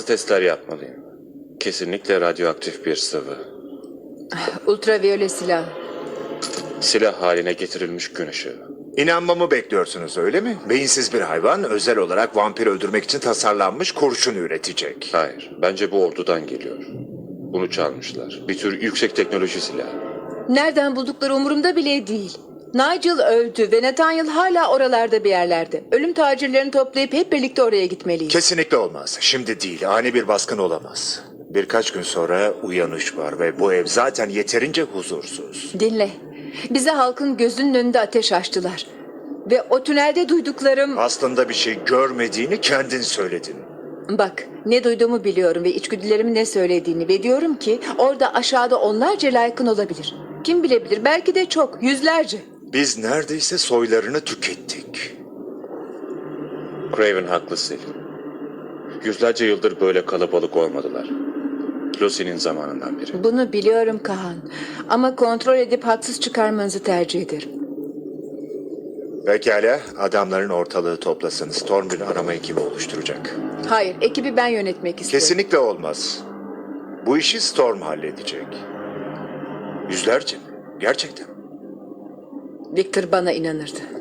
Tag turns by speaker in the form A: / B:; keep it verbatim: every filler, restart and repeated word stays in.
A: testler yapmalıyım. Kesinlikle radyoaktif bir sıvı.
B: Ultraviyole silah.
A: Silah haline getirilmiş gün ışığı.
C: İnanmamı bekliyorsunuz öyle mi? Beyinsiz bir hayvan özel olarak vampir öldürmek için tasarlanmış kurşun üretecek.
A: Hayır, bence bu ordudan geliyor. Bunu çalmışlar. Bir tür yüksek teknoloji silahı.
B: Nereden buldukları umurumda bile değil. Nigel öldü ve Nathaniel hala oralarda bir yerlerde. Ölüm tacirlerini toplayıp hep birlikte oraya gitmeliyiz.
C: Kesinlikle olmaz. Şimdi değil. Ani bir baskın olamaz. Birkaç gün sonra uyanış var ve bu ev zaten yeterince huzursuz.
B: Dinle. Bize halkın gözünün önünde ateş açtılar. Ve o tünelde duyduklarım...
C: Aslında bir şey görmediğini kendin söyledin.
B: Bak, ne duyduğumu biliyorum ve içgüdülerimin ne söylediğini ve diyorum ki orada aşağıda onlarca layıkın olabilir. Kim bilebilir, belki de çok, yüzlerce.
C: Biz neredeyse soylarını tükettik.
A: Craven haklı Sil. Yüzlerce yıldır böyle kalabalık olmadılar. Lucy'nin zamanından beri.
B: Bunu biliyorum Kahan. Ama kontrol edip haksız çıkarmanızı tercih ederim.
C: Pekala, adamların ortalığı toplasın. Storm bir arama ekibi oluşturacak.
B: Hayır, ekibi ben yönetmek istiyorum.
C: Kesinlikle olmaz. Bu işi Storm halledecek. Yüzlerce mi? Gerçekten.
B: Victor bana inanırdı.